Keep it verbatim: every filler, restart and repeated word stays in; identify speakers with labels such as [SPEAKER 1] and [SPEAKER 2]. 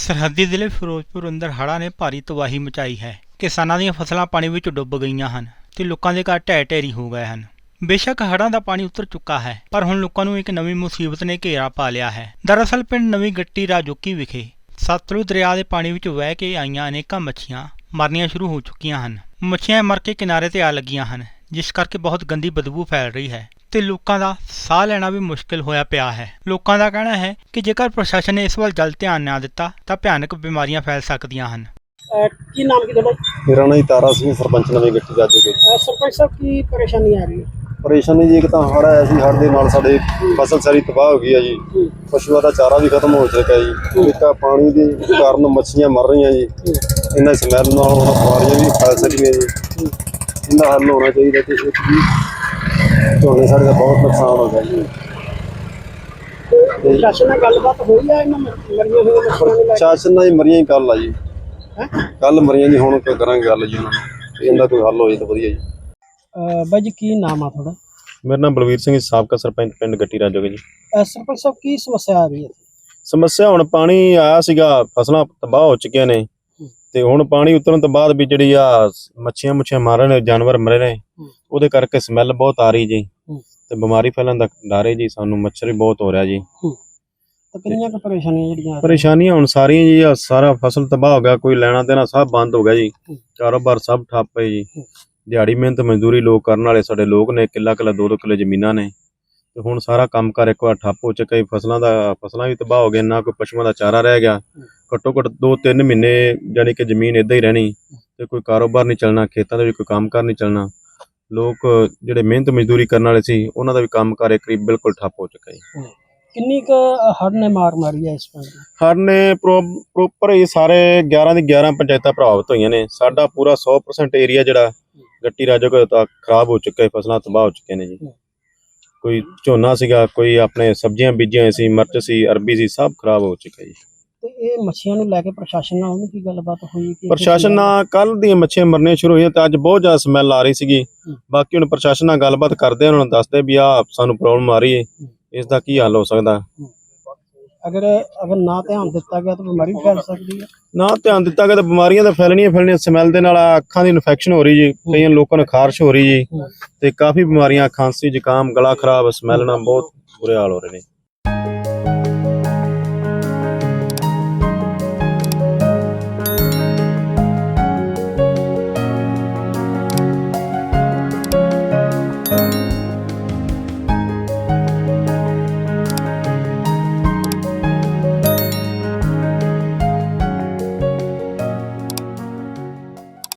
[SPEAKER 1] ਸਰਹੱਦੀ ਜ਼ਿਲ੍ਹੇ ਫਿਰੋਜ਼ਪੁਰ ਅੰਦਰ ਹੜ੍ਹਾਂ ਨੇ ਭਾਰੀ ਤਬਾਹੀ ਮਚਾਈ ਹੈ। ਕਿਸਾਨਾਂ ਦੀਆਂ ਫਸਲਾਂ ਪਾਣੀ ਵਿੱਚ ਡੁੱਬ ਗਈਆਂ ਹਨ ਤੇ ਲੋਕਾਂ ਦੇ ਘਰ ਢਹਿ ਢੇਰੀ ਹੋ ਗਏ ਹਨ। ਬੇਸ਼ੱਕ ਹੜ੍ਹਾਂ ਦਾ ਪਾਣੀ ਉਤਰ ਚੁੱਕਾ ਹੈ, ਪਰ ਹੁਣ ਲੋਕਾਂ ਨੂੰ ਇੱਕ ਨਵੀਂ ਮੁਸੀਬਤ ਨੇ ਘੇਰਾ ਪਾ ਲਿਆ ਹੈ। ਦਰਅਸਲ ਪਿੰਡ ਨਵੀਂ ਗੱਟੀ ਰਾਜੋਕੀ ਵਿਖੇ ਸਤਲੁਜ ਦਰਿਆ ਦੇ ਪਾਣੀ ਵਿੱਚ ਵਹਿ ਕੇ ਆਈਆਂ ਅਨੇਕਾਂ ਮੱਛੀਆਂ ਮਰਨੀਆਂ ਸ਼ੁਰੂ ਹੋ ਚੁੱਕੀਆਂ ਹਨ। ਮੱਛੀਆਂ ਮਰ ਕੇ ਕਿਨਾਰੇ ਤੇ ਆ ਲੱਗੀਆਂ ਹਨ, ਜਿਸ ਕਰਕੇ ਬਹੁਤ ਗੰਦੀ ਬਦਬੂ ਫੈਲ ਰਹੀ ਹੈ ਤੇ ਲੋਕਾਂ ਦਾ ਸਾਹ ਲੈਣਾ ਵੀ ਮੁਸ਼ਕਿਲ ਹੋਇਆ ਪਿਆ ਹੈ। ਲੋਕਾਂ ਦਾ ਕਹਿਣਾ ਹੈ ਕਿ ਜੇਕਰ ਪ੍ਰਸ਼ਾਸਨ ਨੇ ਇਸ ਵੱਲ ਜਲਦ ਧਿਆਨ ਨਾ ਦਿੱਤਾ ਤਾਂ ਭਿਆਨਕ ਬਿਮਾਰੀਆਂ ਫੈਲ ਸਕਦੀਆਂ ਹਨ।
[SPEAKER 2] ਕੀ ਨਾਮ ਕੀ ਤੁਹਾਡਾ?
[SPEAKER 3] ਮੇਰਾ ਨਾਮ ਤਾਰਾ ਸਿੰਘ, ਸਰਪੰਚ ਨਵੀਂ ਗੱਟੀ ਰਾਜੋਕੀ।
[SPEAKER 2] ਸਰਪੰਚ ਸਾਹਿਬ, ਕੀ ਪਰੇਸ਼ਾਨੀ ਆ ਰਹੀ ਹੈ?
[SPEAKER 3] ਪਰੇਸ਼ਾਨੀ ਜੀ, ਇੱਕ ਤਾਂ ਹੜ੍ਹ ਆਇਆ ਸੀ, ਹੜ੍ਹ ਦੇ ਨਾਲ ਸਾਡੇ ਫਸਲ ਸਾਰੀ ਤਬਾਹ ਹੋ ਗਈ ਹੈ ਜੀ। ਪਸ਼ੂਆਂ ਦਾ ਚਾਰਾ ਵੀ ਖਤਮ ਹੋ ਚੁੱਕਾ ਜੀ। ਇੱਕ ਆ ਪਾਣੀ ਦੇ ਕਾਰਨ ਮੱਛੀਆਂ ਮਰ ਰਹੀਆਂ ਜੀ। ਇਹਨਾਂ ਸਮੈਲ ਨਾਲ ਹੁਣ ਬਿਮਾਰੀਆਂ ਵੀ ਫੈਲ ਸਕਦੀਆਂ ਜੀ। ਇਹਦਾ ਹੱਲ ਹੋਣਾ ਚਾਹੀਦਾ ਕਿ ਇੱਕ ਵੀ ਝੋਨੇ ਸਾਡੇ ਦਾ ਬਹੁਤ ਨੁਕਸਾਨ ਹੋ ਗਿਆ ਜੀ।
[SPEAKER 2] ਪ੍ਰਸ਼ਾਸਨ ਨਾਲ ਗੱਲਬਾਤ ਹੋਈ ਹੈ ਇਹਨਾਂ ਮਰੀਆਂ ਹੋਈਆਂ ਮੱਛੀਆਂ ਨੂੰ ਲੈ ਕੇ?
[SPEAKER 3] ਪ੍ਰਸ਼ਾਸਨ ਨਾਲ ਹੀ ਮਰੀਆਂ ਹੀ ਕੱਲ ਆ ਜੀ। ਕੱਲ ਮਰੀਆਂ ਜੀ, ਹੁਣ ਕੋਈ ਕਰਾਂਗੇ ਗੱਲ ਜੀ ਉਹਨਾਂ ਨਾਲ, ਇਹਦਾ ਕੋਈ ਹੱਲ ਹੋ ਜਾਏ ਤਾਂ ਵਧੀਆ ਜੀ।
[SPEAKER 2] ਬਾਈ ਜੀ, ਕੀ ਨਾਮ ਆ ਤੁਹਾਡਾ?
[SPEAKER 3] ਮੇਰਾ ਨਾਮ ਬਲਵੀਰ ਸਿੰਘ, ਸਾਬਕਾ ਸਰਪੰਚ ਪਿੰਡ ਗੱਟੀ ਰਾਜੋਕੀ ਜੀ।
[SPEAKER 2] ਸਰਪੰਚ ਸਾਹਿਬ, ਕੀ ਸਮੱਸਿਆ ਆ ਰਹੀ ਹੈ?
[SPEAKER 3] ਸਮੱਸਿਆ ਹੁਣ ਪਾਣੀ ਆਇਆ ਸੀਗਾ, ਫਸਲਾਂ ਤਬਾਹ ਹੋ ਚੁੱਕੀਆਂ ਨੇ ਤੇ ਹੁਣ ਪਾਣੀ ਉਤਰਨ ਤੋਂ ਬਾਅਦ ਵੀ ਜਿਹੜੀ ਆ ਮੱਛੀਆਂ ਮੁੱਛੀਆਂ ਮਾਰਨ ਨੇ, ਜਾਨਵਰ ਮਰੇ ਨੇ, ਉਹਦੇ ਕਰਕੇ ਸਮੈਲ ਬਹੁਤ ਆ ਰਹੀ ਜੀ ਤੇ ਬਿਮਾਰੀ ਫੈਲਣ ਦਾ ਡਰ ਹੈ ਜੀ। ਸਾਨੂੰ ਮੱਛਰ ਵੀ ਬਹੁਤ ਹੋ ਰਿਹਾ ਜੀ।
[SPEAKER 2] ਤਾਂ ਕਿੰਨੀਆਂ ਕੁ ਪਰੇਸ਼ਾਨੀਆਂ ਜਿਹੜੀਆਂ?
[SPEAKER 3] ਪਰੇਸ਼ਾਨੀਆਂ ਹੁਣ ਸਾਰੀਆਂ ਜੀ, ਆ ਸਾਰਾ ਫਸਲ ਤਬਾਹ ਹੋ ਗਿਆ, ਕੋਈ ਲੈਣਾ ਦੇਣਾ ਸਭ ਬੰਦ ਹੋ ਗਿਆ ਜੀ। ਕਾਰੋਬਾਰ ਸਭ ਠੱਪ ਹੈ ਜੀ। ਦਿਹਾੜੀ ਮਿਹਨਤ ਮਜ਼ਦੂਰੀ ਲੋਕ ਕਰਨ ਵਾਲੇ ਸਾਡੇ ਲੋਕ ਨੇ, ਕਿੱਲਾ ਕਿੱਲਾ ਦੋ ਦੋ ਕਿੱਲੇ ਜ਼ਮੀਨਾਂ ਨੇ ਤੇ ਹੁਣ ਸਾਰਾ ਕੰਮ ਕਾਰ ਇੱਕ ਵਾਰ ਠੱਪ ਹੋ ਚੁੱਕਾ ਜੀ। ਫਸਲਾਂ ਦਾ ਫਸਲਾਂ ਵੀ ਤਬਾਹ ਹੋ ਗਈਆਂ, ਨਾ ਕੋਈ ਪਸ਼ੂਆਂ ਦਾ ਚਾਰਾ ਰਹਿ ਗਿਆ। ਘੱਟੋ ਘੱਟ ਦੋ ਤਿੰਨ ਮਹੀਨੇ ਜਾਨੀ ਕਿ ਜ਼ਮੀਨ ਏਦਾਂ ਹੀ ਰਹਿਣੀ ਤੇ ਕੋਈ ਕਾਰੋਬਾਰ ਨਹੀਂ ਚੱਲਣਾ, ਖੇਤਾਂ ਦਾ ਵੀ ਕੋਈ ਕੰਮ ਕਾਰ ਨਹੀਂ ਚੱਲਣਾ। ਲੋਕ ਜਿਹੜੇ ਮਿਹਨਤ ਮਜ਼ਦੂਰੀ ਕਰਨ ਵਾਲੇ ਸੀ, ਉਹਨਾਂ ਦਾ ਵੀ ਕੰਮ ਕਾਰ ਇੱਕ ਬਿਲਕੁਲ ਠੱਪ ਹੋ ਚੁੱਕਾ ਜੀ।
[SPEAKER 2] ਕਿੰਨੀ ਕੁ ਹੜ੍ਹ ਨੇ ਮਾਰ ਮਾਰੀ ਹੈ ਇਸ ਪਿੰਡ?
[SPEAKER 3] ਹੜ੍ਹ ਨੇ ਪ੍ਰੋਪਰ ਹੀ ਸਾਰੇ ਗਿਆਰਾਂ ਦੀ ਗਿਆਰਾਂ ਪੰਚਾਇਤਾਂ ਪ੍ਰਭਾਵਿਤ ਹੋਈਆਂ ਨੇ। ਸਾਡਾ ਪੂਰਾ ਸੌ ਪਰਸੈਂਟ ਏਰੀਆ ਜਿਹੜਾ ਗੱਟੀ ਰਾਜੋਕੀ ਤੱਕ ਖਰਾਬ ਹੋ ਚੁੱਕਾ ਹੈ, ਫਸਲਾਂ ਤਬਾਹ ਹੋ ਚੁੱਕੀਆਂ ਨੇ ਜੀ। ਕੋਈ ਝੋਨਾ ਸੀਗਾ, ਕੋਈ ਆਪਣੇ ਸਬਜ਼ੀਆਂ ਬੀਜੀਆਂ ਸੀ, ਮਿਰਚ ਸੀ, ਅਰਬੀ ਸੀ, ਸਭ ਖਰਾਬ ਹੋ ਚੁੱਕਾ ਜੀ।
[SPEAKER 2] ਤੇ ਇਹ ਮੱਛੀਆਂ ਨੂੰ ਲੈ ਕੇ ਪ੍ਰਸ਼ਾਸਨ ਨਾਲ ਉਹਨੂੰ ਕੀ ਗੱਲਬਾਤ ਹੋਈ?
[SPEAKER 3] ਪ੍ਰਸ਼ਾਸਨ ਨਾਲ ਕੱਲ ਦੀਆਂ ਮੱਛੀਆਂ ਮਰਨੀਆਂ ਸ਼ੁਰੂ ਹੋਈਆਂ ਤੇ ਅੱਜ ਬਹੁਤ ਜ਼ਿਆਦਾ ਸਮੈਲ ਆ ਰਹੀ ਸੀਗੀ। ਬਾਕੀ ਹੁਣ ਪ੍ਰਸ਼ਾਸਨ ਨਾਲ ਗੱਲਬਾਤ ਕਰਦੇ, ਉਹਨਾਂ ਨੂੰ ਦੱਸਦੇ ਵੀ ਆ ਸਾਨੂੰ ਪ੍ਰੋਬਲਮ ਆ ਰਹੀ ਹੈ, ਇਸ ਦਾ ਕੀ ਹੱਲ ਹੋ ਸਕਦਾ।
[SPEAKER 2] ਅਗਰ ਅਗਰ ਨਾ ਧਿਆਨ ਦਿੱਤਾ ਗਿਆ ਤਾਂ ਬਿਮਾਰੀ ਫੈਲ ਸਕਦੀ ਹੈ।
[SPEAKER 3] ਨਾ ਧਿਆਨ ਦਿੱਤਾ ਗਿਆ ਤਾਂ ਬਿਮਾਰੀਆਂ ਤਾਂ ਫੈਲਣੀਆਂ ਫੈਲਣੀਆਂ। ਸਮੈਲ ਦੇ ਨਾਲ ਅੱਖਾਂ ਦੀ ਇਨਫੈਕਸ਼ਨ ਹੋ ਰਹੀ ਜੀ, ਕਈਆਂ ਲੋਕਾਂ ਨੂੰ ਖਾਰਸ਼ ਹੋ ਰਹੀ ਜੀ ਤੇ ਕਾਫੀ ਬਿਮਾਰੀਆਂ, ਖਾਂਸੀ, ਜ਼ੁਕਾਮ, ਗਲਾ ਖਰਾਬ, ਸਮੈਲ ਨਾਲ ਬਹੁਤ ਬੁਰੇ ਹਾਲ ਹੋ ਰਹੇ ਨੇ।